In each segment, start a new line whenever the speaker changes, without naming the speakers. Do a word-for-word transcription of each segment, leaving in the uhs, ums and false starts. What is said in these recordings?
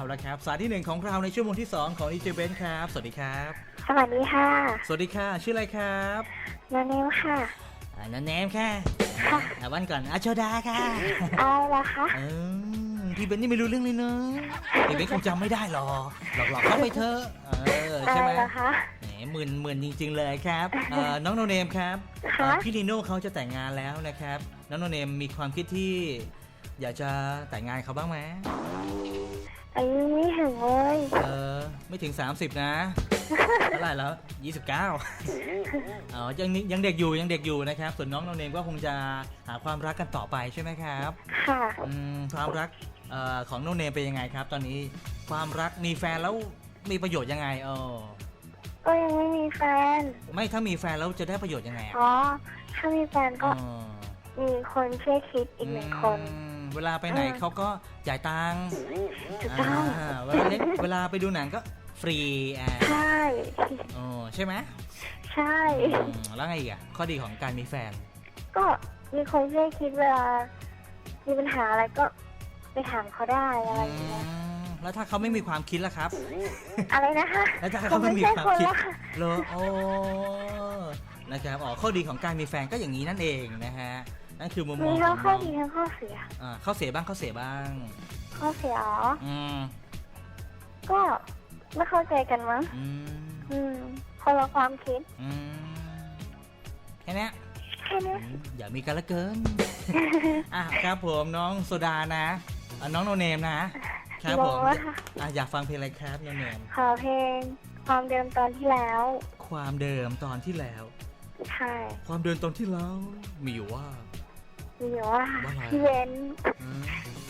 ละครับสายที่หนึ่งของเราในชั่วโมงที่สองของดีเจเบนซ์ครับสวัสดีครับ
สวัสดีค่ะ
สวัสดีค่ะชื่ออะไรครับ
นาเนมค่ะ
อ่านันแนมค่ะ
ค่ะ
อ่าวันก่อนอาโชดาค่ะ
อะไรล่ะคะ
เออพี่เบนซ์นี่ไม่รู้เรื่องเลยเนอะพี่เบนซ์คงจำไม่ได้หรอกหลอกๆเข้าไปเถอะเออ
อะ
ใช่
ไร
ไหม
ล่ะคะ
แหมหมื่นหมื่นจริง ๆ เลยครับเอ่อน้องโนเนมครับ
ค่ะ
เอ่อพี่นีโน่เขาจะแต่งงานแล้วนะครับน้องโนเนมมีความคิดที่อยากจะแต่งงานเขาบ้างไหม
อายุไม่ถึงเลย
เออไม่ถึง สามสิบ นะเท่าไหร่แล้ว ยี่สิบเก้า อ๋อยังนี่ยังเด็กอยู่ยังเด็กอยู่นะครับส่วนน้องโนเนมก็คงจะหาความรักกันต่อไปใช่ไหมครับ
ค่ะ
อืมความรักเอ่อของโนเนมเป็นยังไงครับ ตอนนี้ความรักมีแฟนแล้วมีประโยชน์ยังไงเออ
ก็ยังไม่มีแฟน
ไม่ถ้ามีแฟนแล้วจะได้ประโยชน์ยังไงอะ
อ๋อ ถ้ามีแฟนก็
เออ
มีคนช่วยคิดอีกหนึ่งคน
อืมเวลาไปไหน
เออ
เขาก็จ่ายตังค์
ถูกต้อง
อ่าเวลาเล่นเวลาไปดูหนังก็ฟรีอ่า
ใช่
โอ้ใช่ไหม
ใช่
อืมแล้วไงอีกอ่ะข้อดีของการมีแฟน
ก็มีคนช่วยคิดเวลา มีปัญหาอะไรก็ไปถามเขาได้อะไรอย่างเงี้ย
อืมแล้วถ้าเขาไม่มีความคิดล่ะครับ
อะไรนะคะ
แล้วถ้า
ผ
เขา
ม
ไม่
ไม่
มี
ใช่
ความ
คน
คิด
ละค่ะ
เหรอโอ้นะครับอ๋อข้อดีของการมีแฟนก็อย่างนี้นั่นเองนะฮะนั่นคือมุมม
มี
องข
ทั้
อง ง
ข้อ
น้อง
ดีทั้งข้อเสีย
อ่าข้อเสียบ้างข้อเสียบ้าง
ข้อเสียอ๋อ
อืม
ก็ไม่เข้าใจกันมั้ง
อืม
อืม คนละความคิด
อืมแค่เนี้ย
แค่นี้
อืมอย่ามีกันละเกิน อ่ะครับผมน้องโซดานะอ่ะน้องโนเนมนะครับผม
บอกว่าค่ะ
อ่ะอยากฟังเพลงอะไรครับโนเนม
ขอเพลงความเดิมตอนที่แล้ว
ความเดิมตอนที่แล้ว
ใช่
ความเดิมตอนที่แล้วมีอยู่ว่า
มีว่า
ว่าอะไร
พี่เว้น
อืม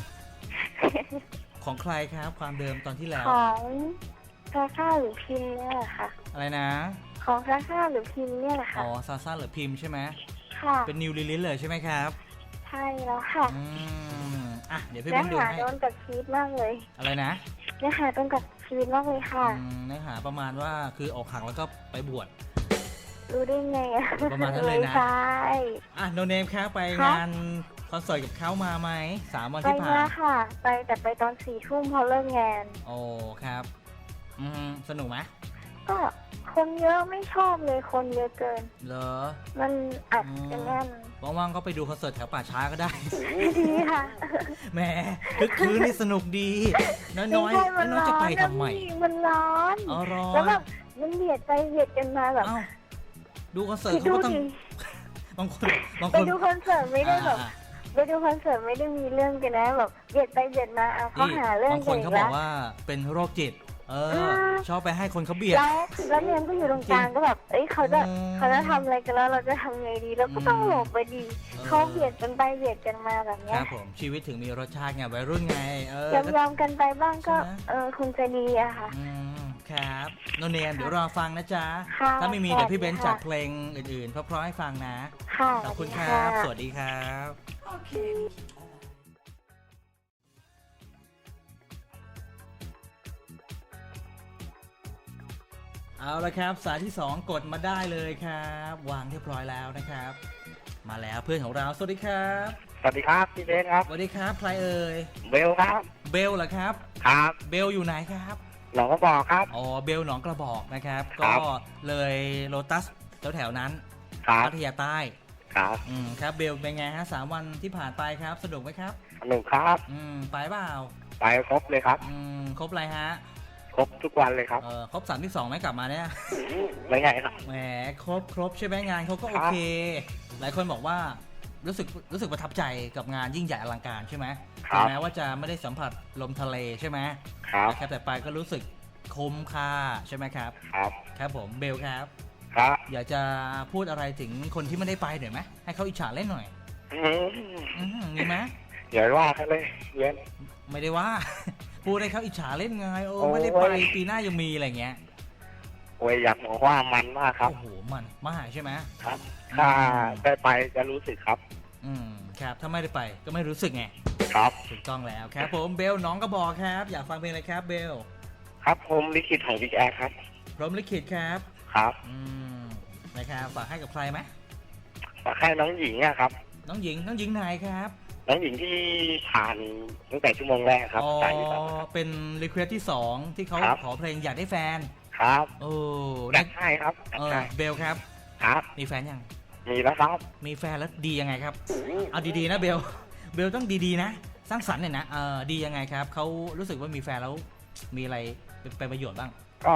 ของใครครับความเดิมตอนที่แล้ว
ของซาซ่าหรือพิมพ์เนี่ยแหละค่ะ
อะไรนะ
ของซาซ่าหรือพิมพ์เนี่ยแหละค่ะ
อ๋อซาซ่าหรือพิมพ์ใช่ไหม
ค่ะ
เป็นนิวลิลิสเลยใช่ไหมครับ
ใช่แล้วค่ะ
อืมอ่ะเดี๋ยวพี่
เนื้
เบ้
อน
ดู
หา
ให้
โดนกับชีวิตมากเลย
อะไรนะ
เนื้อหาตรงกับชีวิตมากเลยค่ะ
อืมเนื้อหาประมาณว่าคืออกหักแล้วก็ไปบวช
รู้ได้ไงอะ
ประมาณนั้นเลยนะ
ใช่
อ่ะโนเนมครับไป
ครับ
งานคอนเสิร์ตกับเขามาไหมสามวัน
ไป
ที่ผ่า
มาน ค่ะ ไปแต่ไปตอนสี่ทุ่มพอเลิกงาน
โอ้ครับอืมสนุกไหม
ก็คนเยอะไม่ชอบเลยคนเยอะเกิน
เหรอ
มันอัดกันแน่น
ว่างๆก็ไปดูคอนเสิร์ตแถวป่าช้าก็ได้
ดีค่ะ
แหมคึกคืนนี่สนุกดี น้อยน้อย
ไม่ใช่มัน
น้อย
ร้
จะ
อน
ไปทำไม
นะพี่มันร้อน
อ๋อร้อ
แล้ว
น
แบบมันเบียดไปเบียดกันมาแบบ
เอ้าดูคอนเสิร์ต
คิด
เขา
ดู
ก็ต้อง
ดิ
บางคนบาง
ไป
คน
ดูคอนเสิร์ตไม่ได้แบบ
อ่า
ไปดูคอนเสิร์ตไม่ได้มีเรื่องกันนะแบบเบียดไปเบียดมาเอา
ๆ
เขา
นี่
หาเรื่อง
บางค
กัน
น
อี
เขา
ก
บอ
แล้
ก
ว
ว่าเป็นโรคจิต เออ
อ่า
ชอบไปให้คนเขาเบียด
แล้วแล้วเนี่ยก็อยู่ตรงกลางก็แบบเอ้ยเขาจะ
อืม
เขาจะทำอะไรกันแล้วเราจะทำไงดีแล้วก็ต้องหลบไปดี
เออ
เขาเบียดกันไปเบียดกันมาแบบ
ค
เนี้
รั
ย
บผมชีวิตถึงมีรสชาติไงวัยรุ่นไงเออย
อมยอมๆกันไปบ้างก็
ใช่ไหม
เออคงจะดีอะค่ะ
อืมครับโนเนมเดี๋ยวรอฟังนะจ๊ะ
ค่ะ
ถ้าไม่มีเดี๋ยวพี่เบนซ์
สวัสดีค่ะ
จัดเพลงอื่นๆเพราะๆให้ฟังนะ
ค่ะ
ขอบคุณค
ส
รั
วั
บ
ส
ส
ดีค่ะ
วัสดีครับ เอาละครับสายที่สองกดมาได้เลยครับ วางเรียบร้อยแล้วนะครับ มาแล้วเพื่อนของเราสวัสดีครับ
สวัสดีครับพี่เบนครับ
สวัสดีครับใครเอ่ย
เบลครับ
เบลเหรอครับ
ครับ
เบลอยู่ไหนครับ
หนองก็บอกครับ
อ๋อเบลหนองกระบอกนะครับ
ครั
ก็
บ
เลยโลตัสแถวๆนั้น
ครับ
พัทยาใต้
ครับ
อืมครับเบลเป็นไงฮะสามวันที่ผ่านไปครับสนุกไหมครับ
สนุกครับ
อืมไปเปล่า
ไปครบเลยครับ
อืมครบอะไรฮะ
ครบทุกวันเลยครับ
เออครบสามที่สองไหมกลับมาเนี่ย
ไม่ไงครับ
แหมครบครบใช่ไหมงานเขาก็โอเค หลายคนบอกว่ารู้สึกรู้สึกประทับใจกับงานยิ่งใหญ่อลังการใช่ไหม
ค
ถึ
รั
ง
บ
แม้ว่าจะไม่ได้สัมผัสลมทะเลใช่ไหม
ครับ
นะครับแต่ไปก็รู้สึกคุ้มค่าใช่ไหมครับ
ครับ
ครับผมเบลครับ
ครับ
อยากจะพูดอะไรถึงคนที่ไม่ได้ไปหน่อยไหมให้เขาอิจฉาเล่นหน่อย
อืม
อืมมีไหม
อย่าว่าเขาเลยเย็น
ไม่ได้ว่า พูดให้เขาอิจฉาเล่นไงโอ้
โอ้ย
ไม่ได้ไปปีหน้ายังมีอะไรเงี้ย
โอ้ยอยากบอกว่ามันมากครับ
โอ้โหมันมากใช่ไหม
ครับ ถ้าได้ไปจะรู้สึกครับ
อืมครับถ้าไม่ได้ไปก็ไม่รู้สึกไง
ครับ
ถูกต้องแล้วครับผมเบลน้องก็บอกครับ อยากฟังเพลงอะไรครับเบล
ครับผมลิขิตของบิ๊กแอร์ครับ
พร้อมลิขิตครับ
ครับ
อืมนะครับฝากให้กับใครไหม
ฝากให้น้องหญิงอะครับ
น้องหญิงน้องหญิงไหนครับ
น้องหญิงที่ผ่านตั้งแต่ชั่วโมงแรกครับ
อ๋อ
จ่ายอยู่ครับ
เป็นรีเควสที่สองที่เขา
ครับ
ขอเพลงอยากได้แฟน
ครับ
โอ้
จั
ได้
ดให้ครับจัด
เออ
ให้
เบลครับ
ครับ
มีแฟนยัง
มีแล้วครับ
มีแฟนแล้วดียังไงครับ เอาดีๆนะเบล เบลต้องดีๆนะ สร้างสรรค์เนี่ยนะ เออดียังไงครับ เขารู้สึกว่ามีแฟนแล้วมีอะไรเป็นเป็นประโยชน์บ้าง
ก็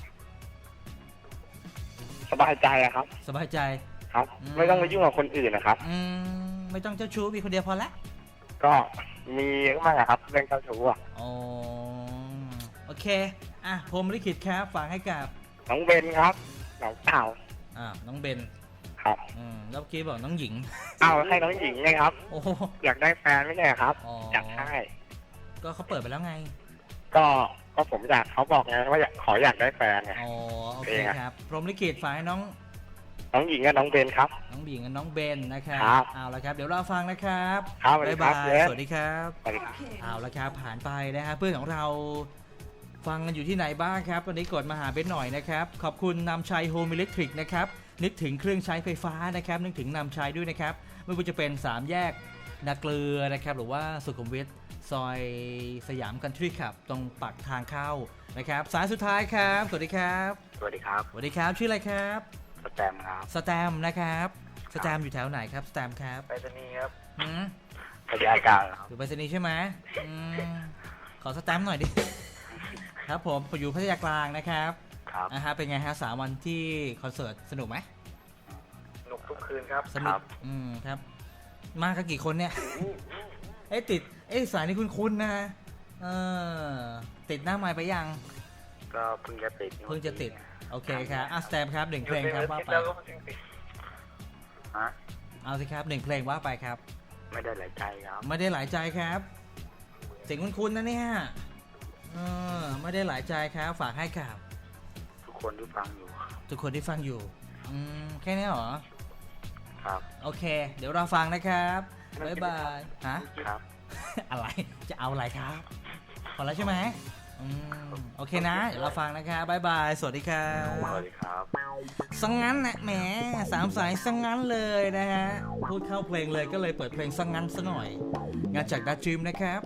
สบายใจอะครับ
สบายใจ
ครับ
อืม
ไม่ต้องไปยุ่งกับคนอื่นนะครับ
อืมไม่ต้องเจ้าชู้มีคนเดียวพอละ
ก็มีมากอะครับเรื่องเจ้าชู้อะ
อ๋อโอเค อ่ะผมลิขิตครับฝากให้กับ
น้องเบนครับน้องเต่า
อ่าน้องเบน
ครับ
อืมแล้วเมื่อกี้บอกน้องหญิง
เอาให้น้องหญิงไงครับ
โอ้โห
อยากได้แฟนไม่ใช่เหรอครับ
อ๋อ
อยากให้
ก็เขาเปิดไปแล้วไง
ก็ก็ผมอยากเขาบอกไงว่าอยากขออยากได้แฟนไง
อ๋อโอเค
เองอะ
ครับพรหมลิขิตฝากให้น้อง
น้องหญิงกับน้องเบนครับ
น้องหญิงกับน้องเบนนะครับ
ครับ
เอาละครับเดี๋ยวเราฟังนะครับ
ครับสวัสดี
บ๊าย
ครับ
บาย
เบน
สวัสดีครับ
สวัสดีครับ
เอาละครับผ่านไปนะฮะเพื่อนของเราฟังกันอยู่ที่ไหนบ้างครับวันนี้กดมาหาเบนหน่อยนะครับขอบคุณนำชัยโฮมอิเล็กทริกนะครับนึกถึงเครื่องใช้ไฟฟ้านะครับนึกถึงนำชัยด้วยนะครับไม่ว่าจะเป็นสามแยกนาเกลือนะครับหรือว่าสุขุมวิทซอยสยามคันทรีคลับตรงปากทางเข้านะครับสายสุดท้ายครับสวัสดีครับ
สวัสดีครับ
สวัสดีครับชื่ออะไรครับ
สแตมครับ
สแตมนะครับสแตมอยู่แถวไหนครับสแตมครับ
ไปรษณีย์ครับ
อืม
พยาการครับ
อยู่ไปรษณีย์ใช่ไหมอืมขอสแตมป์หน่อยดิ ครับผมผมอยู่พัทยากลางนะครับ
ครับ
นะฮะเป็นไงฮะสามวันที่คอนเสิร์ตสนุกไหม
สนุกทุกคืนครับ
สนุกอืมครับ มากันกี่คนเนี่ย เอ้ยติดเอ้ยสายนี้คุ้นๆนะเออติดหน้าไม้ไปยัง
ก็เพิ่งจะติด
เพิ่งจะติดโอเคครับอ่ะสแตมป์ครับหนึ่งเพลงครับว่าไป
ฮะ
เอาสิครับหนึ่งเพลงว่าไปครับ
ไม่ได้หลายใจครับ
ไม่ได้หลายใจครับเสียงคุ้นๆนะเนี่ยเออไม่ได้หลายใจครับฝากให้กับ
ทุกคนที่ฟังอยู่
ทุกคนที่ฟังอยู่อืมแค่นี้เหรอ
ครับ
โอเค เดี๋ยวเราฟังนะครับบ๊ายบายฮะ
ครับ
อะไรจะเอาอะไรครับพอแล้วใช่ไหมอืมโอเคนะเดี๋ยวเราฟังนะครับบ๊ายบายสวัสดีครับ
สวัสดีครับ
สังงั้นนะแหมสามสายสังงั้นเลยนะฮะพูดเข้าเพลงเลยก็เลยเปิดเพลงสังงั้นซะหน่อยงานจากดัชจิมนะครับ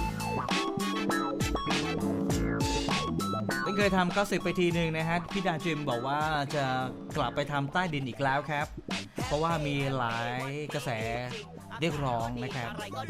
เพิ่งเคยทำก็สิบไปทีหนึ่งนะฮะพี่ดาจิมบอกว่าจะกลับไปทำใต้ดินอีกแล้วครับ เพราะว่ามีหลายกระแสเรียกร้องนะครับ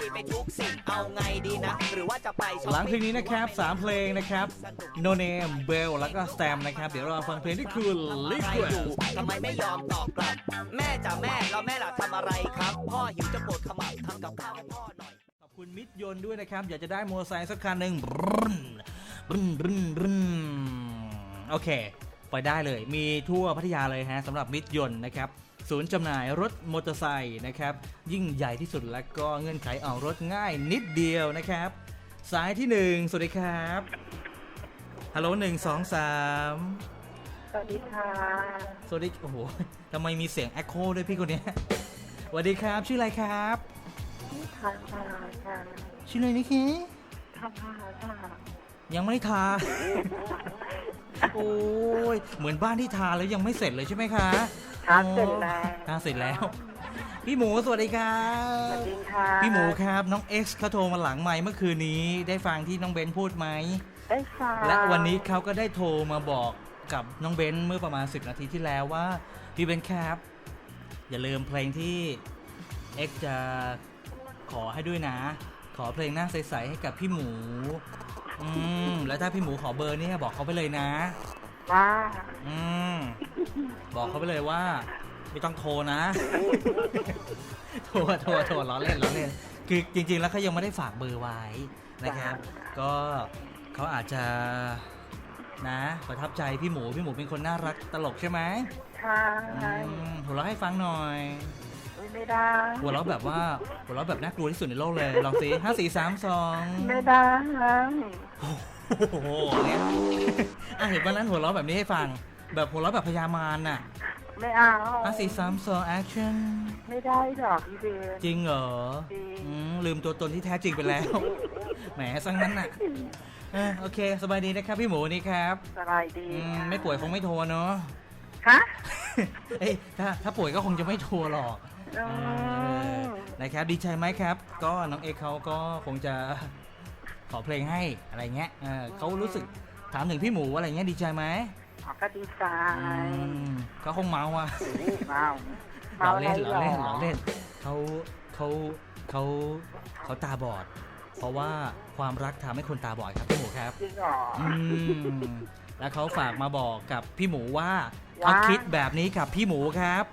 หลังเพลงนี้นะครับสามเพลงนะครับ No Name Bell แล้วก็ Stam นะครับเดี๋ยวเราฟังเพลงที่คือ Liquid
ทำไมไม่ยอมตอบกลับ แม่จ๋าแม่แล้วแม่ล่ะทำอะไรครับ พ่อหิวจะปวดขมับทำกับข้าวให้พ่อหน่อย
ขอบคุณมิตรยนต์ด้วยนะครับอยากจะได้มอเตอร์ไซค์สักคันหนึ่งบึ้นบึ้นบึ้นบึ้นโอเคไปได้เลยมีทั่วพัทยาเลยฮะสำหรับมิตรยนต์นะครับศูนย์จำหน่ายรถมอเตอร์ไซค์นะครับยิ่งใหญ่ที่สุดและก็เงื่อนไขออกรถง่ายนิดเดียวนะครับสายที่หนึ่งสวัสดีครับฮัลโหลหนึ่งสองสาม
สวัสดีค่ะ
สวัสดีโอ้โหทำไมมีเสียงแอคโคด้วยพี่คนเนี้ยสวัสดีครับชื่ออะไรครับ
ทานพาค่ะ
ชื่ออะไรนี่คี
ทานพาค่ะ
ยังไม่ได้ทา โอ้ยเหมือนบ้านที่ทาแล้วยังไม่เสร็จเลยใช่ไหมคะ
ทานเสร็จแล้ว
ทาเสร็จแล้ว พี่หมูสวัสดีครั
สวั
บ
สดีค่ะ
พี่หมูครับน้อง X เขาโทรมาหลังไมค์เมื่อคืนนี้ได้ฟังที่น้องเบนพูดไหม
ได้ค่ะ
และวันนี้เขาก็ได้โทรมาบอกกับน้องเบนเมื่อประมาณสิบนาทีที่แล้วว่าพี่เบนครับอย่าลืมเพลงที่ X จะขอให้ด้วยนะ ขอเพลงหน้าใสๆให้กับพี่หมูอืมแล้วถ้าพี่หมูขอเบอร์เนี่ยบอกเขาไปเลยนะ
ว่า
อืมบอกเขาไปเลยว่าไม่ต้องโทรนะ โทรโทรโทรล้อเล่นล้อเล่นคือจริงๆแล้วเขายังไม่ได้ฝากเบอร์ไว้นะครับก็เขาอาจจะนะประทับใจพี่หมูพี่หมูเป็นคนน่ารักตลกใช่ไหม
ค่ะ
อืมหัวเราะให้ฟังหน่อย
ไม่ได้
หัวเราะแบบว่าหัวเราะแบบน่ากลัวที่สุดในโลกเลยลองสิห้าสี่สามสอง
ไม่ได้
โอ้โหเนี่ยอ่ะเห็นวันนั้นหัวเราะแบบนี้ให้ฟังแบบหัวเราะแบบพยามารน่ะ
ไม่เอา
ห้าสี่สามสองแอคชั่น
ไม่ได้หรอกพี่เบน
จริงเหรอ
จริง
อืมลืมตัวตนที่แท้จริงไปแล้ว แหมสังนั้นน่ะเออโอเค สบายดีนะครับพี่หมูนี่ครับ
สบายดี
อืม
ค่ะ
ไม่ป่วยคงไม่โทรเนาะ
ฮะ
เอ้ยถ้าถ้าป่วยก็คงจะไม่โทรหรอก
อื
เออ
ม
นะครับดีใจไหมครับ ก็น้องเอ็กซ์เขาก็คงจะขอเพลงให้อะไรเงี้ยเออเขารู้สึกถามถึงพี่หมูอะไรเงี้ยดีใจไหม
อ๋อก็ดีใจ
อืมเขาคงเมาอ่ะ
เมา
เรา
เมาอะไร
เล่น
หร
เรา
อ
เล่นเราเล่นเขาเขาเขาเขาตาบอด เพราะว่าความรักทำให้คนตาบอดครับพี่หมูครับ
จริงเหรอ
อืมแล้วเขาฝากมาบอกกับพี่หมูว่า
ว่า
เขาคิดแบบนี้กับพี่หมูครับ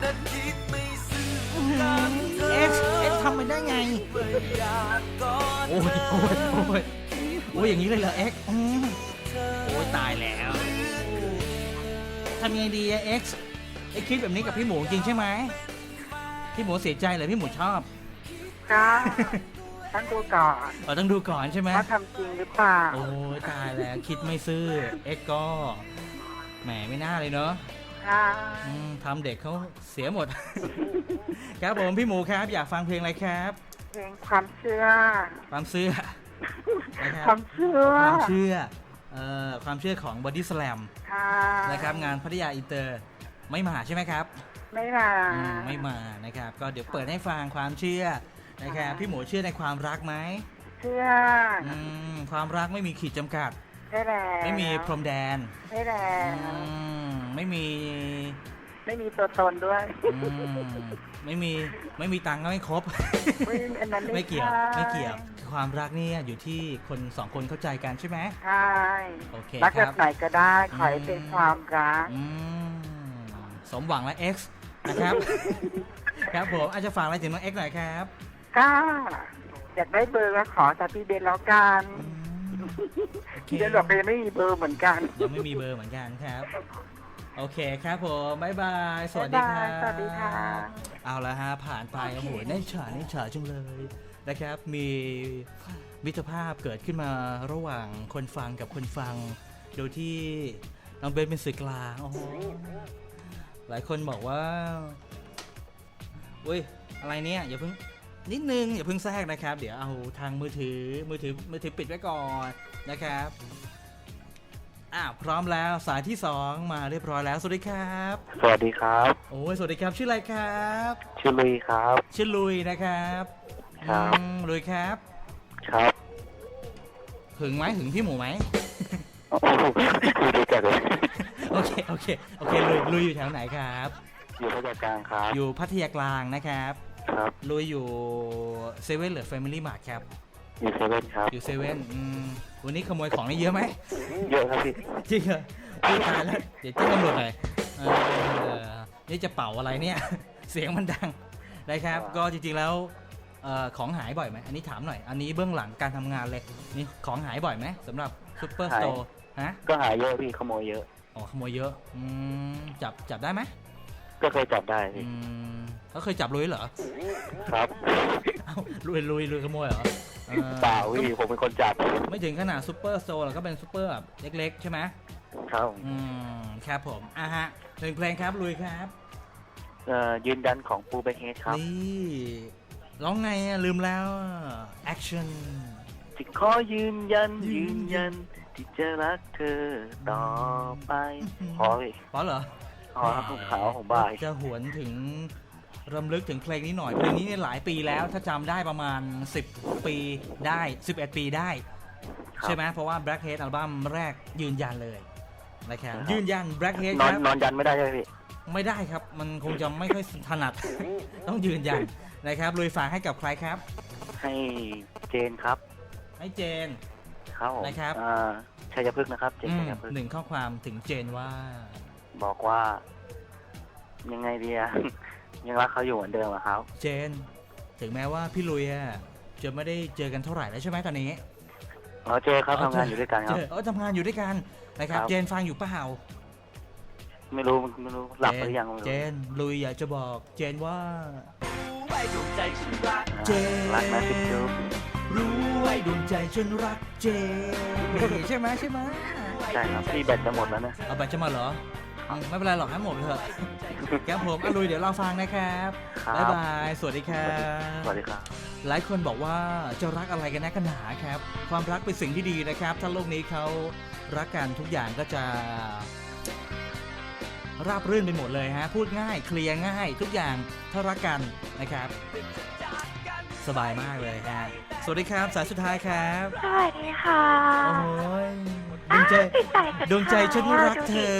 เอ็กซ์เอ็กซ์ทำไปได้ไงโอ้ยโอ้ยโอ้ยโอ้ยอย่างนี้เลยเหรอเอ็กซ์อืมโอ้ยตายแล้วทำยังไงดีอะเอ็กซ์เอ็กซ์คิดแบบนี้กับพี่หมูจริงใช่ไหมพี่หมูเสียใจเหรอพี่หมูชอบ
ก็ต้องดูก่อน
เราต้องดูก่อนใช่ไหม
ว่าทำจริงหรือเปล่า
โอ้ยตายแล้วคิดไม่ซื่อเอ็กซ์ก็แหมไม่น่าเลยเนาะ
ค่ะ
อืมทำเด็กเขาเสียหมด ครับผมพี่หมูครับอยากฟังเพลงอะไรครับ
เพลงความเชื่อ
ความเชื่อนะครับ
ความเชื่อ
ความเชื่อเอ่อความเชื่อของ Body Slam
ค่ะ
นะครับงานพัทยาอินเตอร์ไม่มาใช่ไหมครับ
ไม่มา
อืมไม่มานะครับก็เดี๋ยวเปิดให้ฟังความเชื่อนะครับพี่หมูเชื่อในความรักไหม
เชื่อ
อืมความรักไม่มีขีดจำกัด
ได้แล้ว
ไม่มีพรมแดน
ได้แล้ว
อืมไม่มี
ไม่มีตัวตนด้วย
อืมไม่มีไม่มีตังค์ก็ไม่ครบ
อุ๊ยอันนั้น
ไม่เกี่ยว
ใช่
ไม่เกี่ยวความรักเนี่ยอยู่ที่คนสองคนเข้าใจกันใช่ไหม
ใช่
โอเค
รัก
ค
แบ
รั
บบ ไหนก็ได้ขอให้เป็นความรัก
อืมสมหวังและ X นะครับ ครับผมอาจจะฝากอะไรถึงน้อง X หน่อยครับ
ก็อยากได้เบอร์ก็ขอจากพี่เบนแล้วกัน
อืมโอเค
พี่เบนบอกก็ยังไม่มีเบอร์เหมือนกัน
ยังไม่มีเบอร์เหมือนกันครับ โอเคครับผมบ๊ายบายสวัสดีครับ
บ๊ายบายสวัสดีค่ะ
เอาละฮะผ่านไปโอ้โหได้ฉาได้ฉาจังเลยนะครับ มีมิตรภาพเกิดขึ้นมาระหว่างคนฟังกับคนฟัง โดยที่น้องเบนเป็นสื่อกลางโอ้โหหลายคนบอกว่าอุ้ยอะไรเนี่ยอย่าเพิ่งนิดนึงอย่าเพิ่งแทรกนะครับ เดี๋ยวเอาทางมือถือมือถือมือถือปิดไว้ก่อนนะครับอ่าพร้อมแล้วสายที่สองมาเรียบร้อยแล้วสวัสดีครับ
สวัสดีครับ
โอ้ยสวัสดีครับชื่ออะไรครับ
ชื่อลุยครับ
ชื่อลุยนะครับ
ครับ
อืมลุยครับ
ครับ
หึงไหมหึงพี่หมูไหม
โอ้โหคุยด้วยกันเลย
โอเคโอเคโอเคลุยลุยอยู่แถวไหนครับ
อยู่พัทยากลางครับ
อยู่พัทยากลางนะครับ
ครับ
ลุยอยู่เซเว่นหรือแฟมิลี่มาร์ทครับ
อยู่เซเว่นครับ
อยู่เซเว่นวันนี้ขโมยของได้เยอะไหม
เยอะครับพี่
จริงเหรอพี่ตายแล้วเดี๋ยวแจ้งตำรวจหน่อยเออนี่จะเป่าอะไรเนี่ย เสียงมันดังนะครับ ก็จริงๆแล้วเอ่อของหายบ่อยไหมอันนี้ถามหน่อย อันนี้เบื้องหลังการทำงานเลยนี่ของหายบ่อยไหมสำหรับซุปเปอร์สโตร์ฮะ
ก็หาเยอะพี่ขโมยเยอะ
อ๋อขโมยเยอะอืมจับจับได้ไหม
ก็เคยจับได้
อื
พี่
มเขาเคยจับลุยเหรอ
ครับ
เอ้าลุยลุยลุยขโมยเหรอเออ
เปล่าพี่ผมเป็นคนจับ
ไม่ถึงขนาดซุปเปอร์สโตร์หรอกก็เป็นซุปเปอร์แบบเล็กๆใช่ไหม
ครับ
อืมครับผมอ่ะฮะหนึ่งเพลงครับลุยครับ
เอ่อยืนยันของปูเบเฮดครับ
นี่ร้องไงอะลืมแล้วแอคชั่น
ที่ขอยืนยันยืนยัน ที่จะรักเธอต่อไปขอพี่
เพราะเหรอ
ขอครับขาวของบ่าย
จะหวนถึงรำลึกถึงเพลงนี้หน่อย เพลงนี้เนี่ยหลายปีแล้วถ้าจำได้ประมาณสิบปีได้สิบเอ็ดปีได้
ครับ
ใช่ไหมเพราะว่า Blackhead อัลบั้มแรกยืนยันเลยนะครับยืนยัน Blackhead
น
ค
อน
รับ
นอนยันไม่ได้ใช่ไหมพี่
ไม่ได้ครับ มันคงจะไม่ค่อยถนัด ต้องยืนยันนะครับลุยฝากให้กับใครครับ
ให้เจนครับ
ให้เจน
ครับผม
นะครับ
อ่าชัยพฤกษ์นะครับ เจน
อืม
ชัยพฤกษ์
หนึ่งข้อความถึงเจนว่า
บอกว่า ยังไงดีอะ ยังรักเขาอยู่เหมือนเดิมอะครับ
เจน ถึงแม้ว่าพี่ลุยอะจะไม่ได้เจอกันเท่าไหร่แล้วใช่ไหมตอนนี้
อ๋อเจอครับทำงานอยู่ด้วยกันครับ
เจอเออทำงานอยู่ด้วยกันนะครับ
ครับ
เจนฟังอยู่เปล่า
ไม่รู้ไม่รู้หลับไปหรือยังไม่รู้
เจนลุยอยากจะบอกเจนว่า
ไว้ดวงใจฉันรัก
อ่า
เจน
รักนะจุ๊บจุ๊บ
รู้ไว้ดวงใจฉันรักเจนใช่ไหมใช่ไหม
ใช่ครับพี่แบตจะหมดแล้วนะ
เอาไปจะมาเหรออืมไม่เป็นไรหรอกให้หมดเถอะครับผมอะลุยเดี๋ยวเราฟังนะครับ
ครับ
บ๊ายบายสวัสดีครับ
สวัสดีครับ
หลายคนบอกว่าจะรักอะไรกันนักกันหนาครับ ความรักเป็นสิ่งที่ดีนะครับ ถ้าโลกนี้เขารักกันทุกอย่างก็จะราบรื่นไปหมดเลยฮะพูดง่ายเคลียร์ง่ายทุกอย่างถ้ารักกันนะครับสบายมากเลยฮะสวัสดีครับสายสุดท้ายครับ
สวัสดีค่ะ
โอ้ยดวงใจ
อ้าวติดสายสุด
ดวงใจฉันรักเธอ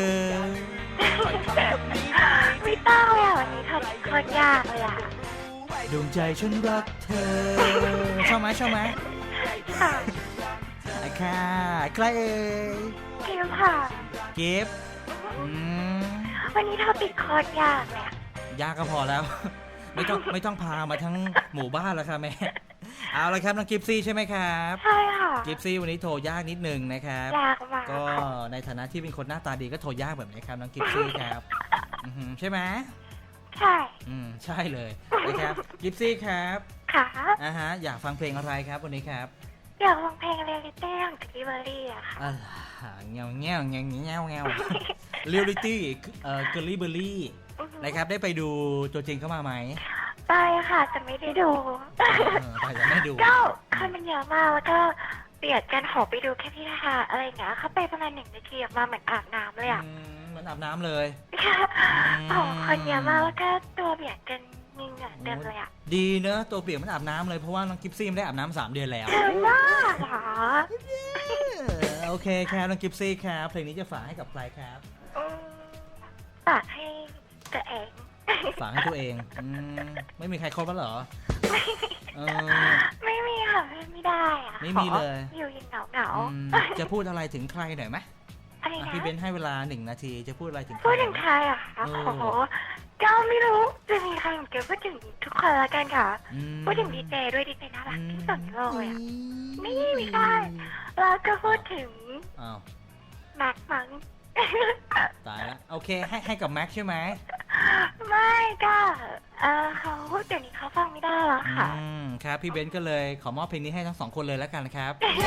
ไม่ต้องเลยอ่ะวันนี้ทำโคตรยากเลยอ่ะ
ดวงใจฉันรักเธอชอบไหมชอบไหม
ค่ะ
ค่ะใครเอ่ย
เกมค่ะ
เก็บอืม
วันนี้ทำปิดโคตรยากเลยอะ
ยากก็พอแล้ว ไม่ต้องไม่ต้องพามาทั้งหมู่บ้านแล้วค่ะแม่เอาละครับน้องกิฟซี่ใช่ไหมครับ
ใช่ค่ะ
กิฟซี่วันนี้โทรยากนิดนึงนะครับ
ยากมาก
ก็
ค่ะ
ในฐานะที่เป็นคนหน้าตาดีก็โทรยากแบบนี้ครับน้องกิฟซี่ครับอือหือใช่ไหม
ใช่
อืมใช่เลยนะครับกิฟซี่ครับ
ค่ะ
อ่าฮะอยากฟังเพลงอะไรครับวันนี้ครับ
อยากฟังเพลงเรียลิตี้ของกิบเบอรี่อะค่ะ
อ่าเงี้ยวเงี้ยวเงี้ยวเงี้ยวเงี้ยวเรียลลิตี้เอ่อเกอร์ลี่เบอร์รี่นะครับได้ไปดูตัวจริงเข้ามาไหม
ไปค่ะแต่ไม่ได้ดู
เออไปแต่ไม่ดู
ก็คนมันเยอะมากแล้วก็เบียดกันขอไปดูแค่ที่นะคะอะไรอย่างเงี้ยเขาไปประมาณหนึ่งนาทีออกมาเหมือนอาบน้ำเลยอะ
อืมมันอาบน้ำเลย
โอ้คนเยอะมากแล้วก็ตัวเบียดกันมีเหงื่อเต็มเลยอะ
ดีเนอะตัวเปียกมันอาบน้ำเลยเพราะว่าน้องกิฟซี่ไม่ได้อาบน้ำสามเดือนแล้ว
เจอมากเหรอ
เออโอเคครับน้องกิฟซี่ครับเพลงนี้จะฝากให้กับใครครับ
อืมฝากให้ตัวเอง
ฝากให้ตัวเองอืมไม่มีใครครบแล้วเหรอเออ
ไม่มีค่ะไม่ไม่ได้อะ
ไม่มีเลย
ขออยู่อยังเหงาเหงา
อืมจะพูดอะไรถึงใครหน่อยไหม
อะไร
อ่ะ
นะ
พี่เบนให้เวลาหนึ่งนาทีจะพูดอะไรถึงใคร
พูดถึง
ไหม
ใครอะคะ
เออ
โอ้โหก็ไม่รู้จะมีใครเหมือนกันพูดถึงทุกคนละกันค่ะ
อืม
พูดถึงดีเจด้วยดีเจน่ารักที่สุดในโลกเลยอะ
อื
นี่ไม่ได้ แล้วก็พูดถึง
อ้าว
แม็กมัง
ตายแล้วโอเคให้ให้กับแม็กใช่ไหม
ไม่ก็เออเขาเดี๋ยวนี้เขาฟังไม่ได้แล้วค่ะ
อืมครับพี่เบนก็เลยขอมอบเพลงนี้ให้ทั้งสองคนเลยแล้วกันนะครับ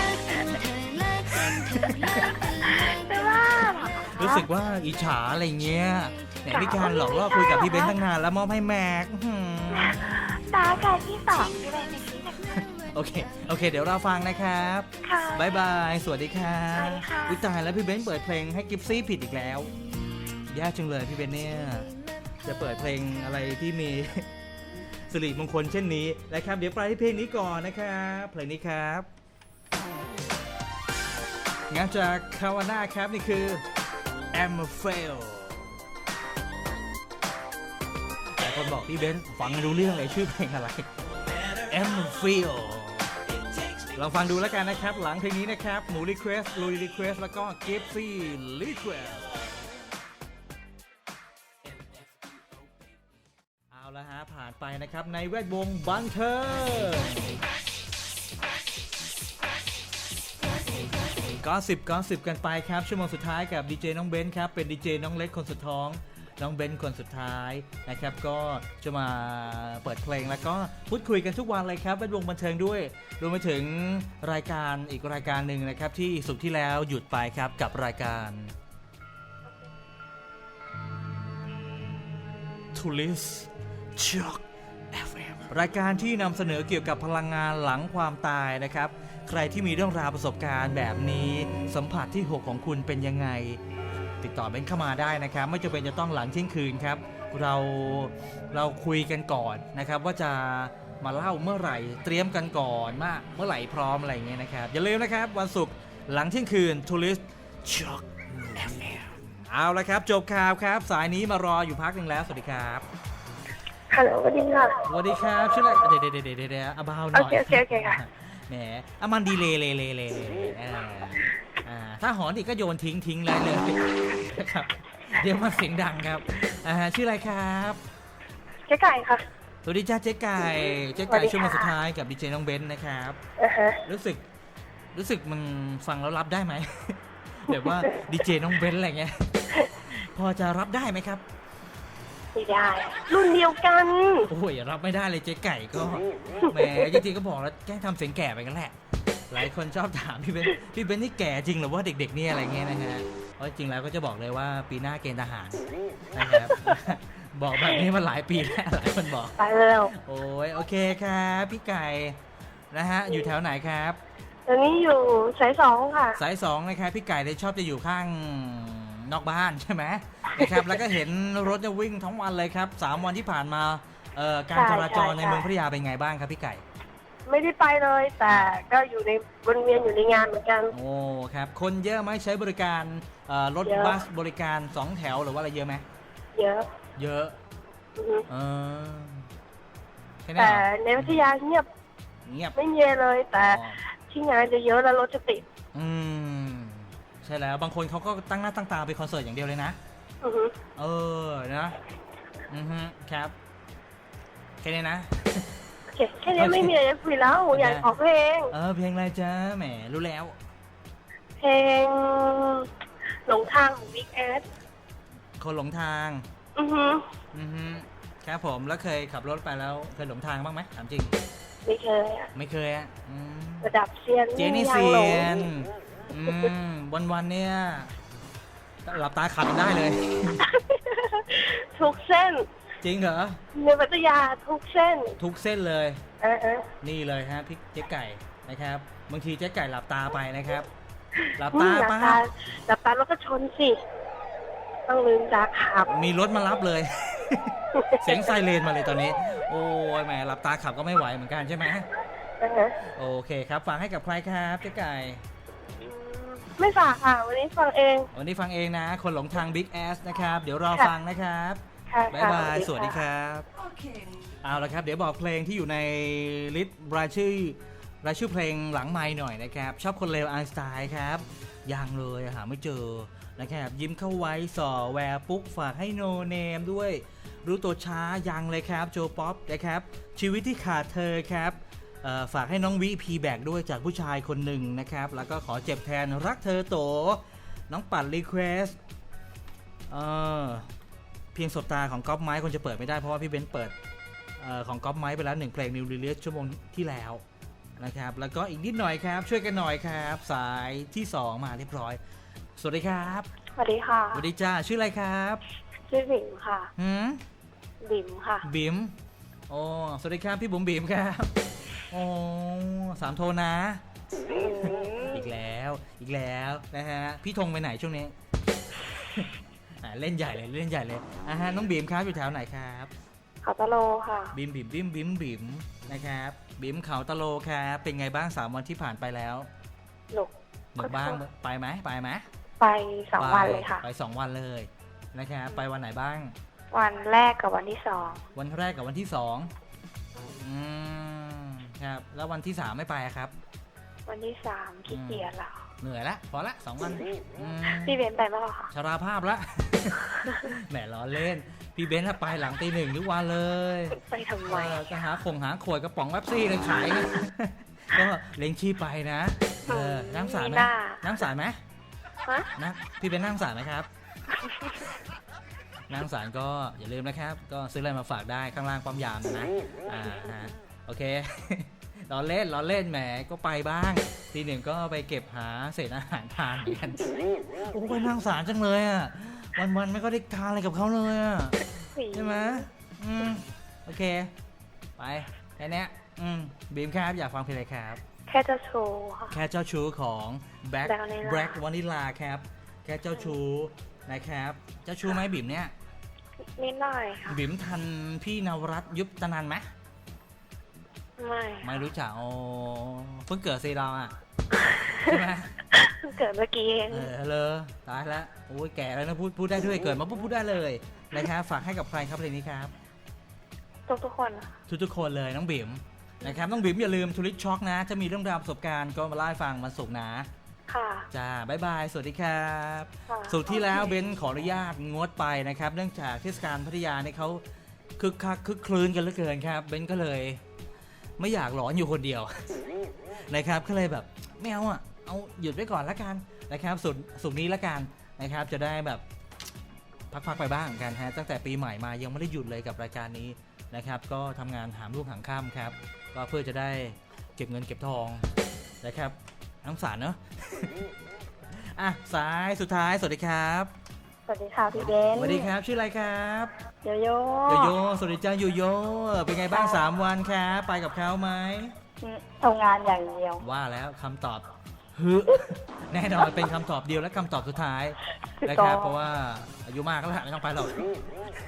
ไม่ว่าหรอ
รู้สึกว่าอิจฉาอะไรเงี้ยเนี่ยมีการหลอกล่อคุยกับพี่เบนตั้งนานแล้วมอบให้แม็กอื้อหือ
ตาการที่สองที่เป็นในที่หนึ่ง
โอเคโอเค เดี๋ยวเราฟังนะครับ
ค่ะ
บายบายสวัสดีครับ
สวัสดีค่ะ
วิตายแล้วพี่เบนเปิดเพลงให้กิฟซี่ผิดอีกแล้วยากจังเลยพี่เบนเนี่ยจะเปิดเพลงอะไรที่มี สิริมงคลเช่นนี้นะครับเดี๋ยวไปที่เพลงนี้ก่อนนะครับเพลงนี้ครับงานจากคาวาน่าครับนี่คือ I'm a fail แต่คนบอกพี่เบนฟังไม่รู้เรื่องเลยชื่อเพลงอะไร I'm a fail ลองฟังดูแล้วกันนะครับหลังเพลงนี้นะครับหมูรีเควสลุยรีเควสแล้วก็กิฟซี่รีเควสเอาละฮะผ่านไปนะครับในแวดวงบันเทิงก็สิบก็สิบกันไปครับชั่วโมงสุดท้ายกับดีเจน้องเบนครับเป็นดีเจน้องเล็กคนสุดท้องน้องเบนคนสุดท้ายนะครับก็จะมาเปิดเพลงแล้วก็พูดคุยกันทุกวันเลยครับแวดวงบันเทิงด้วยรวมไปถึงรายการอีกรายการหนึ่งนะครับที่สุดที่แล้วหยุดไปครับกับรายการ Tourist Shock เอฟ เอ็ม รายการที่นำเสนอเกี่ยวกับพลังงานหลังความตายนะครับใครที่มีเรื่องราวประสบการณ์แบบนี้สัมผัสที่หกของคุณเป็นยังไงติดต่อเบนเข้ามาได้นะครับไม่จำเป็นจะต้องหลังเที่ยงคืนครับเราเราคุยกันก่อนนะครับว่าจะมาเล่าเมื่อไหร่เตรียมกันก่อนว่าเมื่อไหร่พร้อมอะไรอย่างเงี้ยนะครับอย่าลืมนะครับวันศุกร์หลังเที่ยงคืน Tourist Shock เอฟ เอ็ม เอาละครับจบข่าวครับสายนี้มารออยู่พักหนึ่งแล้วสวัสดีครับ
ฮัลโหลสวัสดีค่ะ
สวัสดีครับชื่ออะไรเดี๋ยวเดี๋ยวเดี๋ยวเดี๋ยวเอาเบาหน่อย
โอเคโอเคโอเคค่ะ
แหมเอามันดีเลยเลยเลยเลยอ่าอ่าถ้าหอนอีกก็โยนทิ้งทิ้งเลยเลยนะครับเดี๋ยวมันเสียงดังครับอ่าชื่ออะไรครับ
เจ๊ไก่ค่ะ
สวัสดีจ้าเจ๊ไก่เจ๊ไก่ช่วงมาสุดท้ายกับดีเจน้องเบนซ์นะครับ
อือฮะ
รู้สึกรู้สึกมันฟังแล้วรับได้ไหม แบบว่าดีเจน้องเบนซ์อะไรเงี้ยพอจะรับได้ไหมครับ
ไม่ได้รุ่นเดียวกัน
โอ้ยรับไม่ได้เลยเจ๊ไก่ก็แหมจริงๆก็บอกแล้วแกล้งทำเสียงแก่ไปกันแหละหลายคนชอบถามพี่เบนพี่เบนนี่แก่จริงหรือว่าเด็กๆเนี่ยอะไรเงี้ยนะฮะเพราะจริงแล้วก็จะบอกเลยว่าปีหน้าเกณฑ์ทหารนะครับ บอกแบบนี้มาหลายปีแล้วหลายคนบอก
ไปเร็ว
โอ้ยโอเคครับพี่ไก่นะฮะอยู่แถวไหนครับ
ตอนนี้อยู่สายสองค่ะ
สายสองนะครับพี่ไก่เลยชอบจะอยู่ข้างนอกบ้านใช่ไหมนะครับแล้วก็เห็นรถจะวิ่งทั้งวันเลยครับสามวันที่ผ่านมาเอ่อการจราจรในเมืองพัทยาเป็นไงบ้างครับพี่ไก่
ไม่ได้ไปเลย แต่ก็อยู่ในวนเวียนอยู่ในงานเหมือนกัน
โอ้ครับคนเยอะไหมใช้บริการเอ่อรถ
เยอะ
บัสบริการสองแถวหรือว่าอะไรเยอะไหม
เยอะ
เยอะ
อือฮึ
เออแค่นี้
แต่
เหรอ
ในพัทยาเงียบ
เงียบ
ไม่มีอะไรเลย แต่
อ๋อ
ที่งานจะเยอะแล้วรถจะติด
อืมใช่แล้วบางคนเขาก็ตั้งหน้าตั้งตาไปคอนเสิร์ตอย่างเดียวเลยนะ
อือฮึ
เออนะอือฮึครับแค่นี้นะ
โอเคแค่นี้ไม่มีอะไรจะคุยแล้วอยากขอเพลง
เออเพลงอะไรจ้าแหมรู้แล้ว
เพลงหลงทางของ Big Ass
คนหลงทาง
อือฮึ
อือฮึครับผมแล้วเคยขับรถไปแล้วเคยหลงทางบ้างไหมถามจริง
ไม่เคยอะ
ไม่เคยอ่ะอืม
ระดับเซียน
เจนี่
ยั
เซี
งหล
ย
ง
นอืมวันวันๆเนี่ยหลับตาขับได้เลย
ทุกเส้น
จริงเหรอ
ในพัทยาทุกเส้น
ทุกเส้นเลย
เออเออ
นี่เลยฮะพี่เจ๊ไก่นะครับบางทีเจ๊ไก่หลับตาไปนะครับ หลับ
อื
ตาม
หลับ
ไป
ตาหลับตาแล้วก็ชนสิ ต้องลืมตาขับ
มีรถมารับเลย เสียงไซเรนมาเลยตอนนี้ โอ้ยแหมหลับตาขับก็ไม่ไหวเหมือนกันใช่ไหม
เออ
โอเคครับฝากให้กับใครครับเจ๊ไก่
อืมไม่ฝากค่ะ วันนี้ฟังเอง
วันนี้ฟังเองนะ คนหลงทาง Big Ass นะครับ เดี๋ยวรอ
ค่ะ
ฟังนะครับ
ค่ะ
บ๊ายบาย
ค่ะ
สวัสดีครับ เอาละครับ เดี๋ยวบอกเพลงที่อยู่ในลิสต์รายชื่อรายชื่อเพลงหลังไมค์หน่อยนะครับ ชอบคนเลวไอน์สไตล์ครับยังเลยหาไม่เจอนะครับยิ้มเข้าไว้ส่อแวร์ปุ๊กฝากให้โนเนมด้วย รู้ตัวช้ายังเลยครับโจป๊อปนะครับ ชีวิตที่ขาดเธอครับเอ่อฝากให้น้องวิพีแบกด้วยจากผู้ชายคนหนึ่งนะครับ แล้วก็ขอเจ็บแทนรักเธอโต น้องปัดรีเควสเออเพียงสบตาของก๊อฟไม้คนจะเปิดไม่ได้เพราะว่าพี่เบนซ์เปิดเออของก๊อฟไม้ไปแล้วหนึ่งเพลงนิวรีลิสชั่วโมงที่แล้วนะครับแล้วก็อีกนิดหน่อยครับช่วยกันหน่อยครับ สายที่สองมาเรียบร้อยสวัสดีครับ
สวัสดีค่ะ
สวัสดีจ้าชื่ออะไรครับ
ชื่อบิ๋มค่ะ
หืม
บิ๋มค่ะ
บิ๋มโอ้สวัสดีครับพี่บุ๋มบิ๋มครับโอ้สามโทนนะ อีกแล้วอีกแล้วนะฮะพี่ธงไปไหนช่วงนี้ อ่าเล่นใหญ่เลยเล่นใหญ่เลยอ่าฮะน้องบีมครับอยู่แถวไหนครับ
เขาตะโลค่ะ
บีมบีมบีมบีมบีมนะครับบีมเขาตะโลครับเป็นไงบ้างสามวันที่ผ่านไปแล้ว
หนุก
หนุกบ้างไปไหมไปไหม
ไปสองวันเลยค่ะ
ไปสองวันเลยนะครับไปวันไหนบ้าง
วันแรกกับวันที่สอง
วันแรกกับวันที่สองอืมครับแล้ววันที่สามไม่ไปอะครับ
วันที่สามขี้เกียจแล้ว
เหนื่อยละพอละสองวันอืม
พี่เบนไปบ้างเหรอคะ
ชราภาพละ แหมล้อเล่น พี่เบนซ์ไปหลังตีหนึ่งทุกวันเลย
ไปทำไม
เออก็หาคงหาขวดกระป๋องแป๊บซี่เลยขาย ก็เลี้ยงชีพไปนะเออนั่งสายไหม
หน้า
นั่งสายไหม
ฮะ
นะพี่เบนซ์นั่งสายไหมครับ นั่งสารก็อย่าลืมนะครับ ก็ซื้ออะไรมาฝากได้ข้างล่างปั๊มยามนะอ่าฮะโอเค ล้อเล่นล้อเล่นแหมก็ไปบ้างทีหนึ่งก็ไปเก็บหาเศษอาหารทานเหมือนกันโอ้ไปนั่งสารจังเลยอ่ะวันๆไม่ก็ได้ทานอะไรกับเขาเลยอ่ะใช่ไหมอืมโอเคไปแค่เนี้ยอืมบีมครับอยากฟังเพลงอะไรครับ
แค่จะโชว์ค่ะ
แค่เจ้าชู้ของ Black
Vanilla
Black Vanilla ครับแค่เจ้าชู้นะครับเจ้าชู้ไหมบีมเนี่ย
นิดหน่อยค่ะ
บิ๋มทันพี่นวรัตน์ยุบตนันไหม
ไม่
ไม่รู้จักโอ้เพิ่งเกิดซีเราอ่ะ ใช่ไหม
เพิ่งเกิดเมื่อกี้เอง
เออเลยตายแล้วโอ้ยแก่แล้วนะพูดพูดได้ด้วยเกิดมาปุ๊บพูดได้เลยนะครับฝากให้กับใครครับเพลงนี้ครับ
ทุกทุกๆคนอะ
ทุกๆคนเลยน้องบิ๋มนะครับน้องบิ๋มอย่าลืมทูริสช็อกนะจะมีเรื่องราวประสบการณ์ก็มาเล่าให้ฟังมันสุกร์นะ
ค่ะ
จ้าบ๊ายบายสวัสดีครับ
ค่ะ
สุดที่แล้วเบนขออนุญาตงดไปนะครับเนื่องจากเทศกาลพัทยาเนี่ยเขาคึกคักคึกคลื้นกันเหลือเกินครับเบนก็เลยไม่อยากหลอนอยู่คนเดียว นะครับก็เลยแบบไม่เอาอ่ะเอาหยุดไว้ก่อนละกันนะครับสุดสุดนี้ละกันนะครับจะได้แบบพักๆไปบ้างกันฮะตั้งแต่ปีใหม่มายังไม่ได้หยุดเลยกับรายการนี้นะครับก็ทำงานหามรุ่งหามค่ำครับก็เพื่อจะได้เก็บเงินเก็บทองนะครับน้ำสารเนอะ อ่ะสายสุดท้ายสวัสดีครับ
สวัสดีค่ะพี่เบน
สวัสดีครับชื่ออะไรครับ
โยโย่
โยโย่สวัสดีจ้าโยโย่เป็นไงบ้างสามวันครับไปกับเขาไหม
ทำงานอย่างเดียว
ว่าแล้วคำตอบฮึแน่นอนเป็นคำตอบเดียวและคำตอบสุดท้ายนะครับเพราะว่าอายุมากแล้วไม่ต้องไปหรอก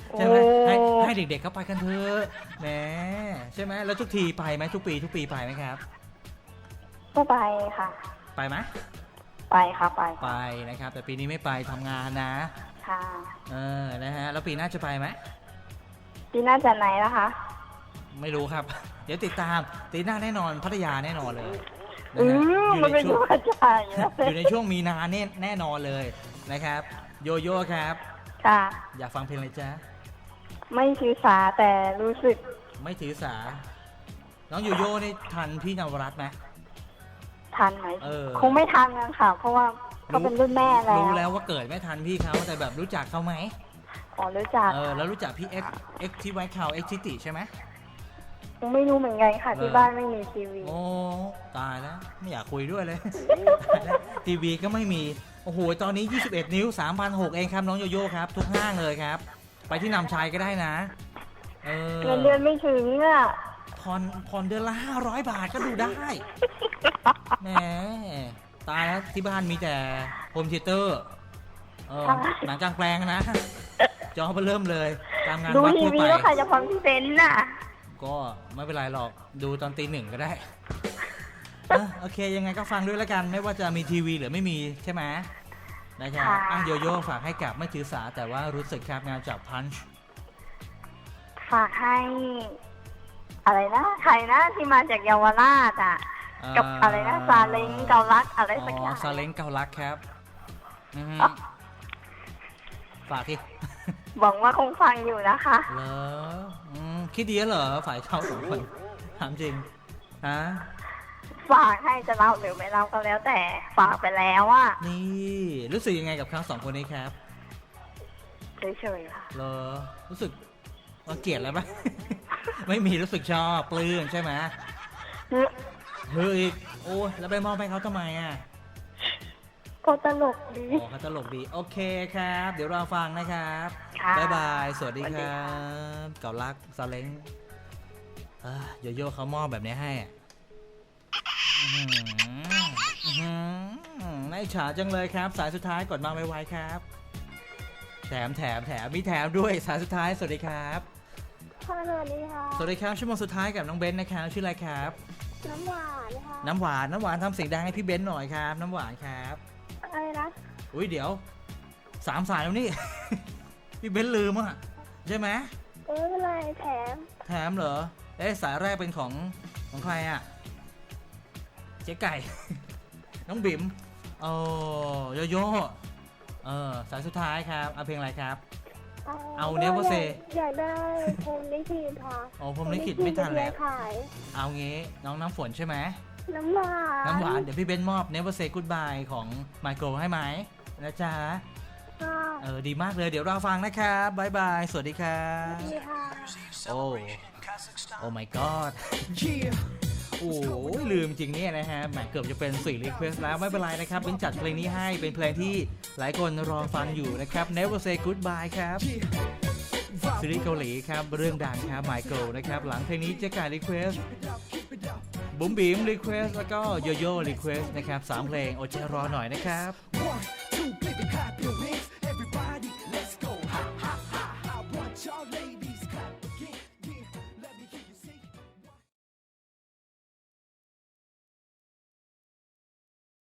ใช่ไหม
โอ้
ให้ให้เด็กๆเขาไปกันเถอะแหมใช่ไหมแล้วทุกทีไปไหมทุกปีทุกปีไปไหมครับ
ก็ไปค่ะ
ไปไหม
ไปค่ะไป
ไปนะครับ แต่ปีนี้ไม่ไปทำงานนะ
ค่ะ
เออนะฮะแล้วปีหน้าจะไปไหม
ปีหน้าจะไหนแล้วคะ
ไม่รู้ครับ เดี๋ยวติดตามตีหน้าแน่นอนพัทยาแน่นอนเลยนะ
อื
ฮะ
ม
อยู่
มัน
ใน
เป็น
ช่วง
หัวใจนะ
อยู่ในช่วงมีนาแน่แน่นอนเลยนะครับโยโย่ครับ
ค่ะ
อยากฟังเพลงอะไรจ๊ะ
ไม่ถือสาแต่รู้สึก
ไม่ถือสา น้องโยโย่นี่ทันพี่นวรัตน์ไหม
ทันไหม
เออ
คงไม่ทันกันค่ะ เพราะว่าเขาเป็นรุ่นแม่แล้ว
รู้แล้วว่าเกิดไม่ทันพี่เขาแต่แบบรู้จักเขาไหม
อ๋อรู้จัก
เออแล้วรู้จักพี่เอ็กเอ็กที่ไวท์คาวเอ็กทิติใช่ไหม
ยังไม่รู้เหมือนกันค่ะ ที่
เออ
บ้านไม่มีทีวี
โอ้ตายแล้วไม่อยากคุยด้วยเลย ตายแล้วทีวีก็ไม่มีโอ้โหตอนนี้ยี่สิบเอ็ดนิ้ว สามพันหกร้อย เองครับน้องโยโย่ครับทุกห้างเลยครับ ไปที่นำชัยก็ได้นะเออ
เงินเดือนไม่ถึงอ่ะ
ผ่อนผ่อนเดือนละห้าร้อยบาทก็ดูได้แหมตายแล้วที่บ้านมีแต่โฮมเทเตอร์เออหนังกลางแปลงนะจอไปเริ่มเลยตามงาน
ดู
วัด
ที
ทั่ว
วี
ไป
แล้วใครจะฟังพี่เบนซ์น่ะ
ก็ไม่เป็นไรหรอกดูตอนตีหนึ่งก็ได้อ่ะโอเคยังไงก็ฟังด้วยแล้วกัน ไม่ว่าจะมีทีวีหรือไม่มีใช่ไหมนะครับ
ค่ะ
อ่ะโยโย่ฝากให้กับไม่ถือสาแต่ว่ารู้สึกครับงานจากพันช์
ฝากให้ อะไรนะใครนะที่มาจากเยาวราชอ่ะ กับอะไรนะซาเล้งเกาลัดอะไรสักอย่าง
ซาเล้งเกาลักครับอืมฝากที่
หวังว่าคงฟังอยู่นะคะ
เหรออืมคิดดีแล้วเหรอฝ่ายเขาสองคนถามจริงฮะ
ฝากให้จะเล่าหรือไม่เล่าก็แล้ว แต่ฝากไปแล้วอ่ะ
นี่รู้สึกยังไงกับทั้งสองคนนี้ครับ
เฉยๆค่ะ
เหรอรู้สึกรังเกียจแล้วปะ ไม่มีรู้สึกชอบปลื้มใช่ไหมเฮ้ยโอ้ยแล้วไปมอบให้เขาทำไมอ่ะ
ก็ตลกดี
อ๋อเขาตลกดีโอเคครับ เดี๋ยวเราฟังนะครับ
ค่ะ
บ๊ายบายสวัสดี
สวัส
ค
ดี
รั
ค่ะ
บเก่ารักซาเล้งเอ้อโยโย่เขามอบแบบนี้ให้อะอื้อหืออื้อหือน่าอิจฉาจังเลยครับ สายสุดท้ายกดมาไวๆครับ แถมแถมแถมมีแถมด้วยสายสุดท้ายสวัสดีครับ
ค่ะสวัสดีค่ะ
สวัสดีครับชั่วโมงสุดท้ายกับน้องเบนซ์นะครับชื่ออะไรครับ
น้ำหวานค่ะ
น้ำหวานน้ำหวานทำเสียงดังให้พี่เบนซ์หน่อยครับ น้ำหวานครับ
อะไรนะ
อุ้ยเดี๋ยวสามสายแล้วนี่ พี่เบนซ์ลืมอ่ะใช่ไหม
เอออะไรแถม
แถมเหรอเอ๊ะสายแรกเป็นของของใครอ่ะเจ๊ไก่ น้องบิ๋มโอ้โยโย่เออสายสุดท้ายครับเอาเพลงอะไรครับ เอาเนเวอร์เซ
อยากได้พรหมลิขิตค่ะ
โอ้ผมลิขิตไม่ทันแล้ว
ขาย
เอางี้น้องน้ำฝนใช่ไหม
น้ำหวาน
น้ำหวานเดี๋ยวพี่เบนซ์มอบ Never Say Goodbye ของ Michael ให้ไหมนะจ๊ะ
ค่ะ
เออดีมากเลยเดี๋ยวเราฟังนะครับบายบายสวัสดีครับ
ดีค่ะ
โอ้ โอ้ my god โอ้ยลืมจริงเนี่ยนะฮะแหมเกือบจะเป็นสี่รีเควสแล้วไม่เป็นไรนะครับเป็นจัดเพลงนี้ให้เป็นเพลงที่หลายคนรอฟังอยู่นะครับ Never Say Goodbye ครับซีรีส์เกาหลีครับเรื่องดังครับ Michael นะครับหลังเพลงนี้เจ๊กายรีเควสบุ๋มบิ๋มรีเควสแล้วก็โยโย่รีเควสนะครับสามเพลงอดใจรอหน่อยนะครับ